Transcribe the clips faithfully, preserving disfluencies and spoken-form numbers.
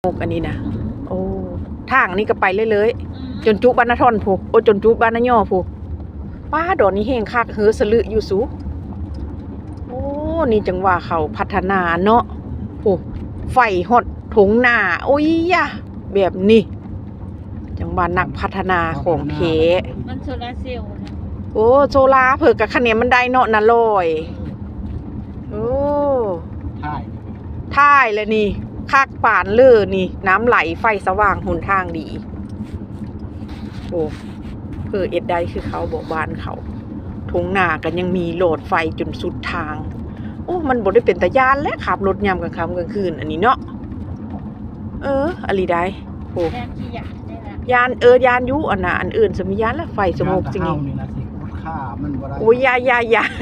โอกอันนี้นะโอ้ทางนี้ก็ไปเรื่อยๆจนจุบ้านนาทอนผูกโอ้จนจุบ้านนาย่อผูกป้าดอนนี้แห้งคักเหือสลืออยู่สูโอ้นี่จังว่าเขาพัฒนาเนาะผูกไฟหดถงหน้าโอ้ยยะแบบนี้จังว่านักพัฒนาของเพมันโซลาเซลล์นะโอ้โซลาเผิกกับคะแนนมันได้เนาะน่ะลอยโอ้ท่ายท่ายเลยนี่คักป่านเลือนี่น้ำไหลไฟสว่างหนทางดีโอ้เพื่อเอ็ดได้คือเขาบอกบ้านเขาทงหน้ากันยังมีโหลดไฟจนสุดทางโอ้มันบ่ได้เป็นตะยานและขับรถยามกลางค่ำกลางคืนอันนี้เนาะเอออะไรได้โอ้แทนที่อยากได้ละยานเออยานยุอันน่ะอันอื่นสมียานและไฟสงบจริงนี่นะสิคุณค่ามันบ่ได้โอ้ยยายายา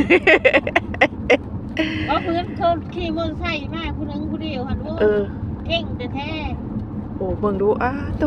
เพราะเพื่อนเขาขี่มอเตอร์ไซค์มาผู้นึงผู้เดียวหันว่าเออเก่งแต่แท้โอ้เบิ่งดูอ้าตุ๊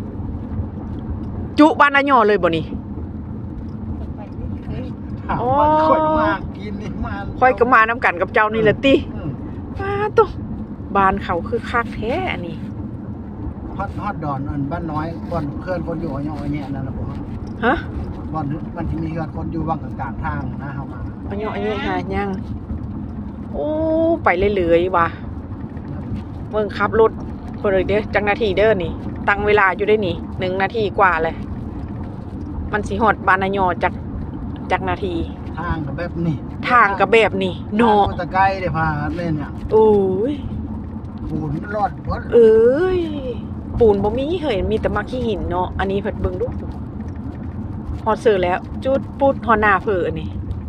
จุบ้านนาย่อเลยบ่นี่ไปเฮ้ยถามว่าค่อยมากินนี่มาค่อยก็มาน้ำกันกับเจ้านี่แหละติอืมอ้าตุ๊บ้านเขาคือคักแท้อันนี้ฮอดฮอดดอนอันบ้านน้อยบ่อนเพื่อนคนอยู่อย่างเงี้ยนั่นน่ะบ่ฮะบ่อนมันสิมีเพื่อนคนอยู่บางกลางๆทางนะเฮามาอันนี้อันนี้หายังโอ้ไปเรื่อยๆว่ะเบิ่งขับรถเพิ่นเลยเด้อจังนาทีเด้อนี่ตั้งเวลาอยู่ได้นี่หนึ่งนาทีกว่าเลยมันสิฮอดบ้านนาย่อจักจักนาทีทางก็แบบนี้ทางก็แบบนี้เนาะทงมันตะไกลได้พาเล่นเนี่ยโอ้ยปูนมันรอดเบิดเอ้ยปูนบ่มีเห็นมีแต่มาขี้หินเนาะอันนี้เพิ่นเบิ่งดูฮอดเสือแล้วจุดปุดฮอดหน้าเพิ่นอันนี้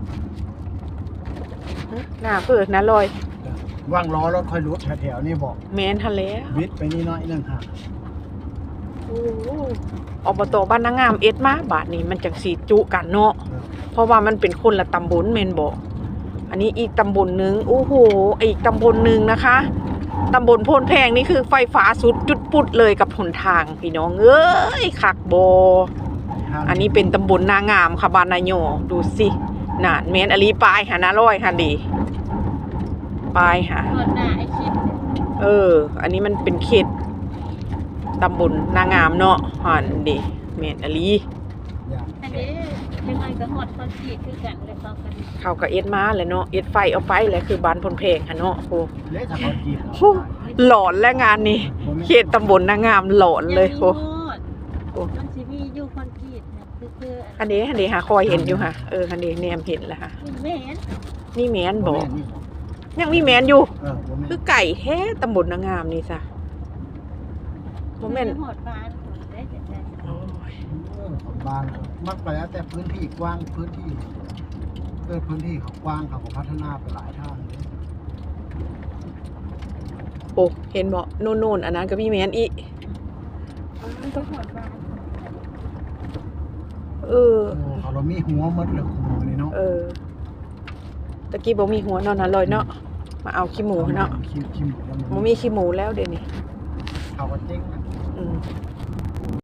ฮะหน้าเพิ่นนะลอยว่างล้อรถค่อยรุดแถวๆนี่บอกแม่นทันแล้ววิทย์ไปนี่น้อยนึงค่ะโอ้อบตบ้านนางงามเอ็ดมาบาทนี้มันจังสิจุกันเนาะเพราะว่ามันเป็นคนละตำบลแม่นบ่อันนี้อีกตำบลนึงโอ้โหอีกตำบลนึงนะคะตำบลโพนแพงนี่คือไฟฟ้าสุดจุดปุดเลยกับหนทางพี่น้องเอ้ยคักบ่อันนี้เป็นตำบลนางามค่ะบ้านนายโยดูสิน่ะแม่นอลีปลายหาหน้าร้อยค่ะดิปลายหาตอนหน้าไอ้คิดเออ อันนี้มันเป็นเขตตำบลนางามเนาะหันดิแม่นอลีอย่างอันนี้ยังไงก็หอดคอนกรีตคือกันเลยเขากันเขาก็เอ็ดมาแหละเนาะเอ็ดไฟเอาไปแหละคือบ้านพนเพลงค่ะเนาะโอ้เละจากคนจีบโหหลอนและงานนี้เขตตำบลนางามหลอนเลยโอ้โอ้มันสิมีอยู่คอนกรีตนะคือคืออันนี้อันนี้หาคอยเห็นอยู่ค่ะเอออันนี้แนมเห็นแล้วค่ะแม่นนี่แมนบอกนี่ยังมีแมนอยู่เออบ่แม่นคือไก่แท้ตำบลนางามนี่ซะโมเมนหอดบ้านได้แต่แต่เออของบ้านมันไปแล้วแต่พื้นที่กว้างพื้นที่เกิดพื้นที่เขากว้างเขาก็พัฒนาไปหลายทางเลยโอ้เห็นบอกโน่นๆอันนั้นก็มีแมนอีกก็หอดบ้านเออโอ้เขาเรามีหัวหมดเลยหัวนี่เนาะเออตะกี้บอกมีหัวนอนนะลอยเนาะมาเอาขี้หมูเนาะคิมคิมแล้วมันมีขี้หมูแล้วเดี๋ยวนี้เขาก็เจ๊งนะอืม